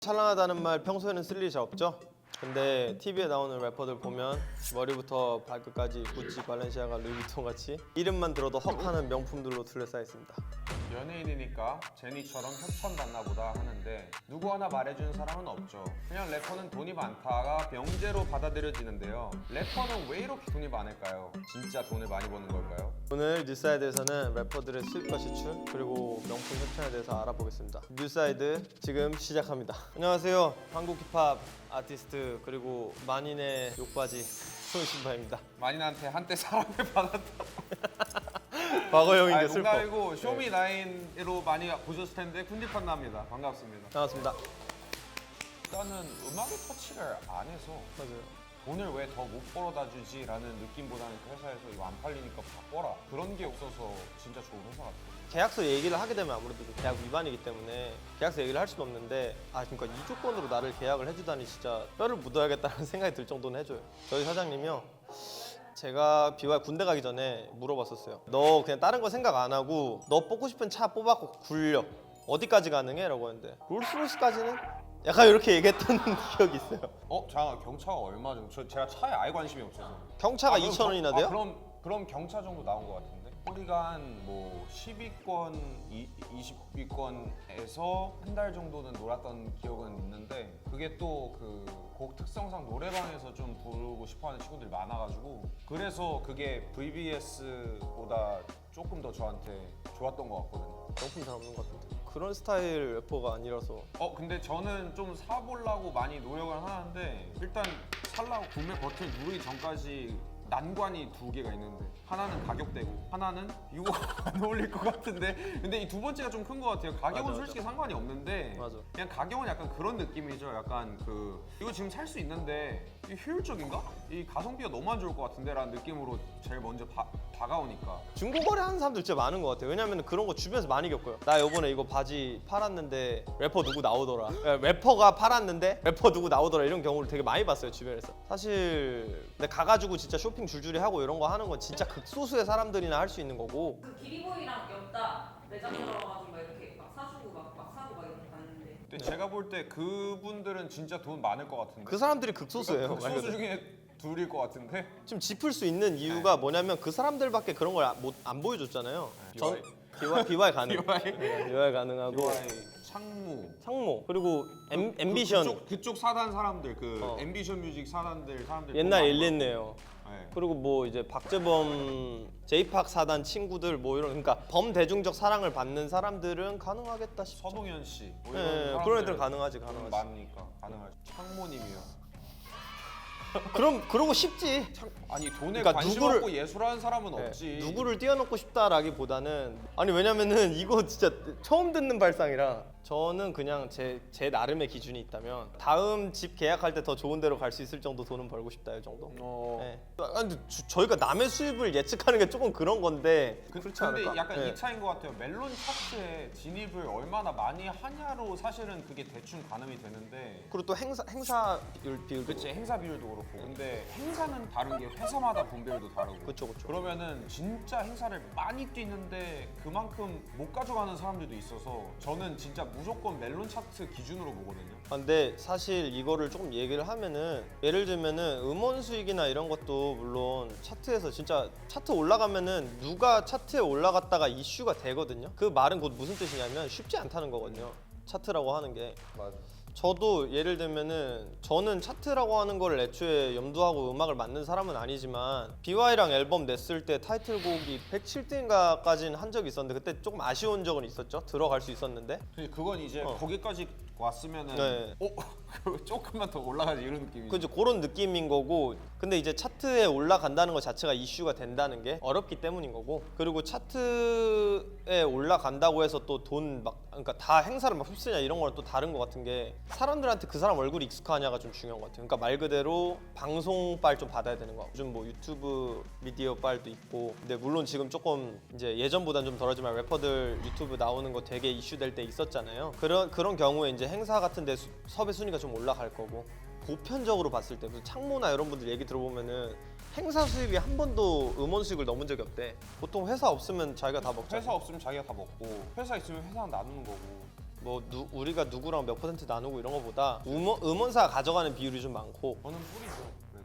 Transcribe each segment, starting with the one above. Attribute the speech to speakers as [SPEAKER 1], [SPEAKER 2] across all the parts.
[SPEAKER 1] 찰랑하다는 말 평소에는 쓸 일이 잘 없죠? 근데 TV에 나오는 래퍼들 보면 머리부터 발끝까지 구찌, 발렌시아가, 루이비통 같이 이름만 들어도 헉하는 명품들로 둘러싸여 있습니다.
[SPEAKER 2] 연예인이니까 제니처럼 협찬받나 보다 하는데 누구 하나 말해주는 사람은 없죠. 그냥 래퍼는 돈이 많다가 명제로 받아들여지는데요. 래퍼는 왜 이렇게 돈이 많을까요? 진짜 돈을 많이 버는 걸까요?
[SPEAKER 1] 오늘 뉴사이드에서는 래퍼들의 수입과 지출 그리고 명품 협찬에 대해서 알아보겠습니다. 뉴사이드 지금 시작합니다. 안녕하세요. 한국 힙합 아티스트 그리고 만인의 욕바지 손신바입니다.
[SPEAKER 2] 만인한테 한때 사랑을 받았다.
[SPEAKER 1] 과거형인데 슬퍼.
[SPEAKER 2] 농담이고 쇼미나인으로 많이 보셨을 텐데 쿤디판 납니다. 반갑습니다.
[SPEAKER 1] 반갑습니다.
[SPEAKER 2] 일단은 음악의 터치를 안 해서
[SPEAKER 1] 맞아요.
[SPEAKER 2] 돈을 왜 더 못 벌어다 주지? 라는 느낌보다는 그 회사에서 이거 안 팔리니까 바꿔라. 그런 게 없어서 진짜 좋은 회사 같아요.
[SPEAKER 1] 계약서 얘기를 하게 되면 아무래도 좀 계약 위반이기 때문에 계약서 얘기를 할 수는 없는데 그러니까 이 조건으로 나를 계약을 해주다니 진짜 뼈를 묻어야겠다는 생각이 들 정도는 해줘요. 저희 사장님이요. 제가 BY 군대 가기 전에 물어봤었어요. 너 그냥 다른 거 생각 안 하고 너 뽑고 싶은 차 뽑아갖고 굴려. 어디까지 가능해? 라고 했는데 롤스로이스까지는? 약간 이렇게 얘기했던 기억이 있어요.
[SPEAKER 2] 잠깐 경차가 얼마 정도? 제가 차에 아예 관심이 없어서.
[SPEAKER 1] 경차가
[SPEAKER 2] 그럼
[SPEAKER 1] 2,000원이나 돼요?
[SPEAKER 2] 그럼 경차 정도 나온 것 같은데? 우리가 한 뭐 10위권, 20위권에서 한 달 정도는 놀았던 기억은 있는데 그게 또 그 곡 특성상 노래방에서 좀 부르고 싶어하는 친구들이 많아가지고 그래서 그게 VBS보다 조금 더 저한테 좋았던 것 같거든요.
[SPEAKER 1] 명품 잘 없는 것 같은데 그런 스타일 래퍼가 아니라서.
[SPEAKER 2] 근데 저는 좀 사보려고 많이 노력을 하는데 일단 살라고 구매 버튼 누르기 전까지 난관이 두 개가 있는데 하나는 가격대고 하나는 이거 안 어울릴 것 같은데 근데 이 두 번째가 좀 큰 것 같아요. 가격은
[SPEAKER 1] 맞아.
[SPEAKER 2] 솔직히 상관이 없는데
[SPEAKER 1] 맞아.
[SPEAKER 2] 그냥 가격은 약간 그런 느낌이죠. 약간 이거 지금 살 수 있는데 이 효율적인가? 이 가성비가 너무 안 좋을 것 같은데 라는 느낌으로 제일 먼저 다가오니까
[SPEAKER 1] 중고거래 하는 사람들 진짜 많은 것 같아요. 왜냐면 그런 거 주변에서 많이 겪어요. 나 요번에 이거 바지 팔았는데 래퍼 누구 나오더라. 래퍼가 팔았는데 래퍼 누구 나오더라 이런 경우를 되게 많이 봤어요 주변에서. 사실 근데 가가지고 진짜 쇼핑 줄줄이 하고 이런 거 하는 건 진짜 극소수의 사람들이나 할 수 있는 거고.
[SPEAKER 3] 그 기리보이랑 엽다 매장 들어가가지고 막 이렇게 막 사주고 막 사고 막 이렇게 봤는데
[SPEAKER 2] 근데 제가 볼 때 그분들은 진짜 돈 많을 것 같은데
[SPEAKER 1] 그 사람들이 극소수예요. 말
[SPEAKER 2] 극소수
[SPEAKER 1] 그대로.
[SPEAKER 2] 중에 둘일 것 같은데
[SPEAKER 1] 지금 짚을 수 있는 이유가 뭐냐면 그 사람들밖에 그런 걸 안 보여줬잖아요. 전 BY 가능. BY 가능하고
[SPEAKER 2] UI 창무
[SPEAKER 1] 상모 그리고 앰비션
[SPEAKER 2] 그쪽 사단 사람들
[SPEAKER 1] 어.
[SPEAKER 2] 앰비션 뮤직 사람들
[SPEAKER 1] 옛날
[SPEAKER 2] 너무
[SPEAKER 1] 일리네요.
[SPEAKER 2] 네.
[SPEAKER 1] 그리고 뭐 이제 박재범 제이팍 사단 친구들 뭐 이런 그러니까 범대중적 사랑을 받는 사람들은 가능하겠다 싶죠.
[SPEAKER 2] 서동현 씨 뭐
[SPEAKER 1] 네, 그런 애들 가능하지 가능하지.
[SPEAKER 2] 많으니까 가능하지. 창모님이요.
[SPEAKER 1] 그러고 싶지.
[SPEAKER 2] 아니 돈에
[SPEAKER 1] 그러니까
[SPEAKER 2] 관심
[SPEAKER 1] 누구를-
[SPEAKER 2] 없고 예술하는 사람은
[SPEAKER 1] 네,
[SPEAKER 2] 없지.
[SPEAKER 1] 누구를 띄워놓고 싶다라기보다는 아니 왜냐면은 이거 진짜 처음 듣는 발상이라 저는 그냥 제 나름의 기준이 있다면 다음 집 계약할 때 더 좋은 데로 갈 수 있을 정도 돈은 벌고 싶다 이 정도. 네. 근데 저희가 남의 수입을 예측하는 게 조금 그런 건데 그렇지
[SPEAKER 2] 근데
[SPEAKER 1] 않을까?
[SPEAKER 2] 약간
[SPEAKER 1] 네.
[SPEAKER 2] 이 차인 것 같아요. 멜론 차트에 진입을 얼마나 많이 하냐로 사실은 그게 대충 가늠이 되는데
[SPEAKER 1] 그리고 또 행사 비율도
[SPEAKER 2] 그치 행사 비율도 그렇고 근데 행사는 다른 게 회사마다 분배율도 다르고
[SPEAKER 1] 그쵸.
[SPEAKER 2] 그러면은 진짜 행사를 많이 뛰는데 그만큼 못 가져가는 사람들도 있어서 저는 진짜 무조건 멜론 차트 기준으로 보거든요.
[SPEAKER 1] 근데 사실 이거를 조금 얘기를 하면은 예를 들면은 음원 수익이나 이런 것도 물론 차트에서 진짜 차트 올라가면은 누가 차트에 올라갔다가 이슈가 되거든요. 그 말은 곧 무슨 뜻이냐면 쉽지 않다는 거거든요. 차트라고 하는 게.
[SPEAKER 2] 맞아. 저도
[SPEAKER 1] 예를 들면은 저는 차트라고 하는 걸 애초에 염두하고 음악을 만든 사람은 아니지만 BY랑 앨범 냈을 때 타이틀곡이 107등인가까지는 한 적이 있었는데 그때 조금 아쉬운 적은 있었죠. 들어갈 수 있었는데.
[SPEAKER 2] 그건 이제 거기까지 왔으면은
[SPEAKER 1] 네.
[SPEAKER 2] 조금만 더 올라가지 이런 느낌이죠.
[SPEAKER 1] 그죠, 그런 느낌인 거고. 근데 이제 차트에 올라간다는 것 자체가 이슈가 된다는 게 어렵기 때문인 거고. 그리고 차트에 올라간다고 해서 또 돈 막 그러니까 다 행사를 막 휩쓰냐 이런 거랑 또 다른 것 같은 게 사람들한테 그 사람 얼굴이 익숙하냐가 좀 중요한 것 같아요. 그러니까 말 그대로 방송빨 좀 받아야 되는 거. 요즘 뭐 유튜브 미디어 빨도 있고. 근데 물론 지금 조금 이제 예전보다는 좀 덜하지만 래퍼들 유튜브 나오는 거 되게 이슈될 때 있었잖아요. 그런 경우에 이제 행사 같은 데 섭외 순위가 좀 올라갈 거고. 보편적으로 봤을 때 무슨 창모나 이런 분들 얘기 들어보면은 행사 수익이 한 번도 음원 수익을 넘은 적이 없대. 보통 회사 없으면 자기가 다 먹잖아.
[SPEAKER 2] 회사 없으면 자기가 다 먹고 회사 있으면 회사는 나누는 거고
[SPEAKER 1] 우리가 누구랑 몇 퍼센트 나누고 이런 거보다 음원사가 가져가는 비율이 좀 많고
[SPEAKER 2] 저는 뿌리죠. 그래도.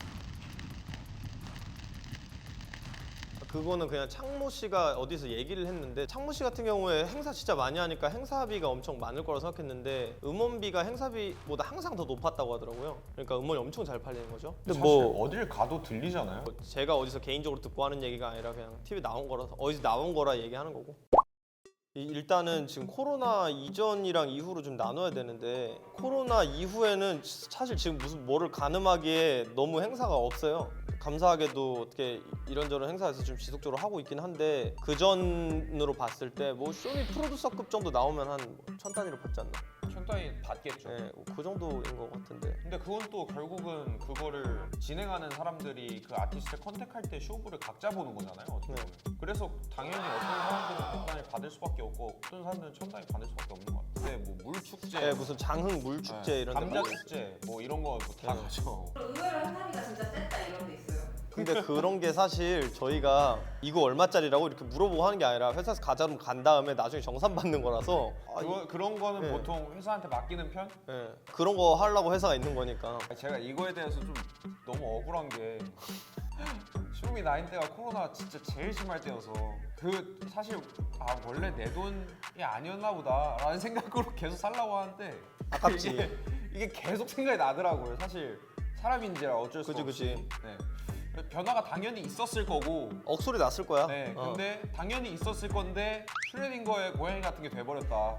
[SPEAKER 1] 그거는 그냥 창모 씨가 어디서 얘기를 했는데 창모 씨 같은 경우에 행사 진짜 많이 하니까 행사비가 엄청 많을 거라 생각했는데 음원비가 행사비보다 항상 더 높았다고 하더라고요. 그러니까 음원이 엄청 잘 팔리는 거죠. 근데
[SPEAKER 2] 사실 어딜 가도 들리잖아요.
[SPEAKER 1] 제가 어디서 개인적으로 듣고 하는 얘기가 아니라 그냥 TV 나온 거라 어디서 나온 거라 얘기하는 거고. 일단은 지금 코로나 이전이랑 이후로 좀 나눠야 되는데 코로나 이후에는 사실 지금 무슨 뭐를 가늠하기에 너무 행사가 없어요. 감사하게도 어떻게 이런저런 행사에서 좀 지속적으로 하고 있긴 한데 그 전으로 봤을 때 뭐 쇼미 프로듀서급 정도 나오면 한 1000단위로 받지 않나?
[SPEAKER 2] 천 단위 받겠죠.
[SPEAKER 1] 네, 그 정도인 것 같은데.
[SPEAKER 2] 근데 그건 또 결국은 그거를 진행하는 사람들이 그 아티스트 컨택할 때 쇼부를 각자 보는 거잖아요. 어떻게 보면. 그래서 당연히 어떤 사람들은 100단위 받을 수밖에 없고 어떤 사람들은 1000단위 받을 수밖에 없는 것 같아요. 근데 뭐 물축제,
[SPEAKER 1] 네, 무슨 장흥 물축제 이런 데
[SPEAKER 2] 감자
[SPEAKER 1] 뭐-
[SPEAKER 2] 축제 뭐 이런 거 다
[SPEAKER 1] 네.
[SPEAKER 2] 가죠.
[SPEAKER 3] 그럼 의외로 행사비가 진짜 셌다 이런 게 있어요.
[SPEAKER 1] 근데 그런 게 사실 저희가 이거 얼마짜리라고 이렇게 물어보고 하는 게 아니라 회사에서 가자면 간 다음에 나중에 정산 받는 거라서
[SPEAKER 2] 그런 거는
[SPEAKER 1] 네.
[SPEAKER 2] 보통 회사한테 맡기는 편?
[SPEAKER 1] 예, 그런 거 하려고 회사가 있는 거니까.
[SPEAKER 2] 제가 이거에 대해서 좀 너무 억울한 게 쇼미 나인 때가 코로나 진짜 제일 심할 때여서 그 사실 원래 내 돈이 아니었나 보다라는 생각으로 계속 살라고 하는데
[SPEAKER 1] 아깝지.
[SPEAKER 2] 이게 계속 생각이 나더라고요. 사실 사람인지라 어쩔 수
[SPEAKER 1] 그치,
[SPEAKER 2] 없이.
[SPEAKER 1] 그치.
[SPEAKER 2] 네. 변화가 당연히 있었을 거고.
[SPEAKER 1] 억소리 났을 거야.
[SPEAKER 2] 네. 근데 당연히 있었을 건데 슈레딩거의 고양이 같은 게 돼버렸다.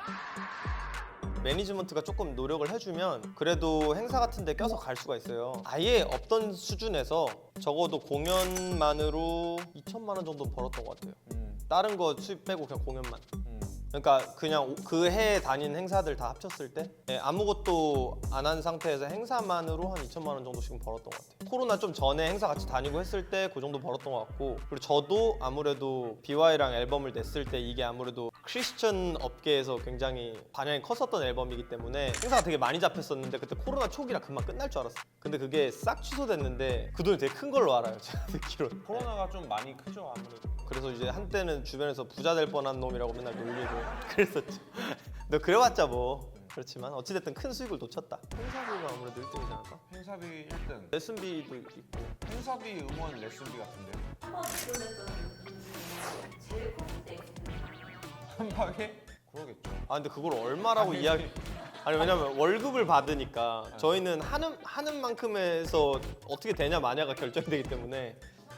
[SPEAKER 1] 매니지먼트가 조금 노력을 해주면 그래도 행사 같은 데 껴서 갈 수가 있어요. 아예 없던 수준에서 적어도 공연만으로 2천만 원 정도 벌었던 것 같아요. 다른 거 수입 빼고 그냥 공연만. 그러니까 그냥 그 해에 다닌 행사들 다 합쳤을 때 아무것도 안 한 상태에서 행사만으로 한 2천만 원 정도씩 벌었던 것 같아요. 코로나 좀 전에 행사 같이 다니고 했을 때 그 정도 벌었던 것 같고 그리고 저도 아무래도 BY랑 앨범을 냈을 때 이게 아무래도 크리스천 업계에서 굉장히 반향이 컸었던 앨범이기 때문에 행사가 되게 많이 잡혔었는데 그때 코로나 초기라 금방 끝날 줄 알았어요. 근데 그게 싹 취소됐는데 그 돈이 되게 큰 걸로 알아요. 제가 듣기로는.
[SPEAKER 2] 코로나가 좀 많이 크죠 아무래도.
[SPEAKER 1] 그래서 이제 한때는 주변에서 부자 될 뻔한 놈이라고 맨날 놀리고 그랬었죠. 너 그래봤자 뭐 그렇지만 어찌됐든 큰 수익을 놓쳤다. 행사비가 아무래도 1등이지 않을까?
[SPEAKER 2] 행사비 1등.
[SPEAKER 1] 레슨비도 있고
[SPEAKER 2] 행사비, 음원, 레슨비 같은데
[SPEAKER 3] 한번 접근했던 분 중에 제일 컸을 때
[SPEAKER 2] 한 방에? 그러겠죠.
[SPEAKER 1] 아 근데 그걸 얼마라고
[SPEAKER 2] 아니,
[SPEAKER 1] 이야기 아니 왜냐면 월급을 받으니까 저희는 하는 만큼에서 어떻게 되냐 마냐가 결정이 되기 때문에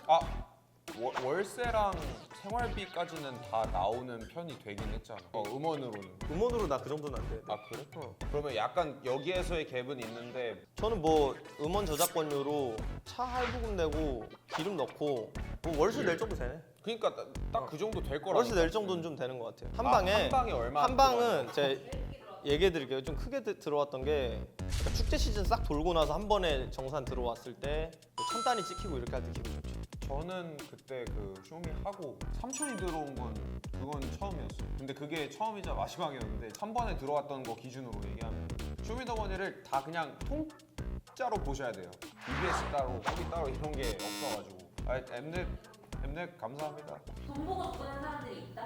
[SPEAKER 2] 월세랑 생활비까지는 다 나오는 편이 되긴 했잖아. 음원으로는.
[SPEAKER 1] 음원으로 나 그 정도는 안 돼.
[SPEAKER 2] 그래? 그러면 약간 여기에서의 갭은 있는데
[SPEAKER 1] 저는 뭐 음원 저작권료로 차 할부금 내고 기름 넣고 뭐 월세 낼 정도 되네.
[SPEAKER 2] 그러니까 딱 그 정도 될 거라.
[SPEAKER 1] 월세 낼 정도는 좀 되는 것 같아요.
[SPEAKER 2] 한 방에 얼마?
[SPEAKER 1] 한 방은 제가 얘기해 드릴게요. 좀 크게 들어왔던 게 그러니까 축제 시즌 싹 돌고 나서 한 번에 정산 들어왔을 때 1000단위 찍히고 이렇게 할 때 기분 좋죠.
[SPEAKER 2] 저는 그때 그 쇼미 하고 3천이 들어온 건 그건 처음이었어요. 근데 그게 처음이자 마지막이었는데 한 번에 들어왔던 거 기준으로 얘기하면 쇼미더머니를 다 그냥 통짜로 보셔야 돼요. EBS 따로, 거기 따로 이런 게 없어가지고. 엠넷 감사합니다.
[SPEAKER 3] 돈 보고 접근한 사람들이 있다?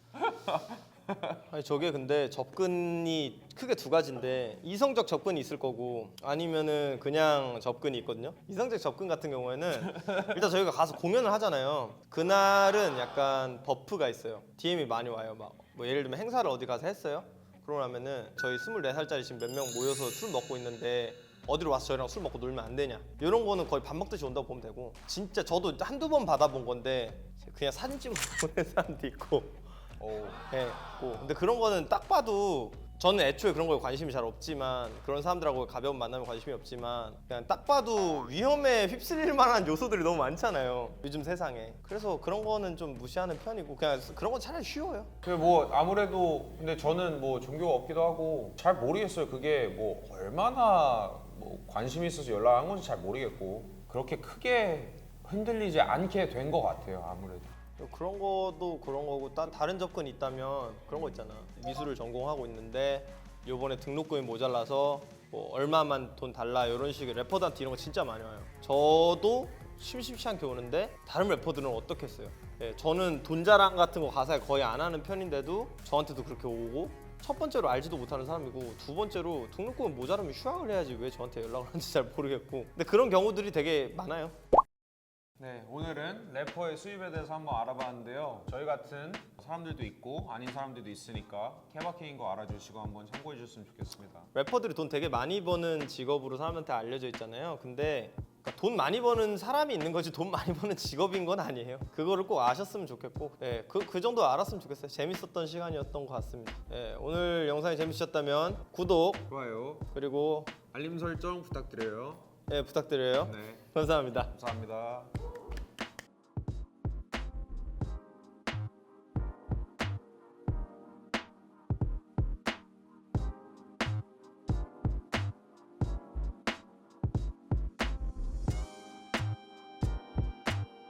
[SPEAKER 1] 아니 저게 근데 접근이 크게 두 가지인데 이성적 접근이 있을 거고 아니면은 그냥 접근이 있거든요. 이성적 접근 같은 경우에는 일단 저희가 가서 공연을 하잖아요. 그날은 약간 버프가 있어요. DM이 많이 와요. 막 뭐 예를 들면 행사를 어디 가서 했어요. 그러고 나면은 저희 24살짜리 지금 몇 명 모여서 술 먹고 있는데 어디로 와서 저희랑 술 먹고 놀면 안 되냐 이런 거는 거의 밥 먹듯이 온다고 보면 되고 진짜 저도 한두 번 받아본 건데 그냥 사진 찍어 보낸 사람도 있고 네, 근데 그런 거는 딱 봐도 저는 애초에 그런 거에 관심이 잘 없지만 그런 사람들하고 가벼운 만남에 관심이 없지만 그냥 딱 봐도 위험에 휩쓸릴 만한 요소들이 너무 많잖아요 요즘 세상에. 그래서 그런 거는 좀 무시하는 편이고 그냥 그런 건 차라리 쉬워요.
[SPEAKER 2] 그 뭐 아무래도 근데 저는 뭐 종교가 없기도 하고 잘 모르겠어요. 그게 뭐 얼마나 뭐 관심이 있어서 연락한 건지 잘 모르겠고 그렇게 크게 흔들리지 않게 된 것 같아요. 아무래도.
[SPEAKER 1] 그런 것도 그런 거고 다른 접근이 있다면 그런 거 있잖아. 미술을 전공하고 있는데 요번에 등록금이 모자라서 뭐 얼마만 돈 달라 이런 식의 래퍼들한테 이런 거 진짜 많이 와요. 저도 심심치 않게 오는데 다른 래퍼들은 어떻겠어요. 예, 저는 돈 자랑 같은 거 가사에 거의 안 하는 편인데도 저한테도 그렇게 오고 첫 번째로 알지도 못하는 사람이고 두 번째로 등록금은 모자라면 휴학을 해야지 왜 저한테 연락을 하는지 잘 모르겠고 근데 그런 경우들이 되게 많아요.
[SPEAKER 2] 네, 오늘은 래퍼의 수입에 대해서 한번 알아봤는데요. 저희 같은 사람들도 있고 아닌 사람들도 있으니까 케바케인 거 알아주시고 한번 참고해 주셨으면 좋겠습니다.
[SPEAKER 1] 래퍼들이 돈 되게 많이 버는 직업으로 사람한테 알려져 있잖아요. 근데 그러니까 돈 많이 버는 사람이 있는 거지 돈 많이 버는 직업인 건 아니에요. 그거를 꼭 아셨으면 좋겠고 그 정도 알았으면 좋겠어요. 재밌었던 시간이었던 것 같습니다. 오늘 영상이 재밌으셨다면 구독
[SPEAKER 2] 좋아요,
[SPEAKER 1] 그리고
[SPEAKER 2] 알림 설정 부탁드려요.
[SPEAKER 1] 부탁드려요.
[SPEAKER 2] 네,
[SPEAKER 1] 감사합니다.
[SPEAKER 2] 감사합니다.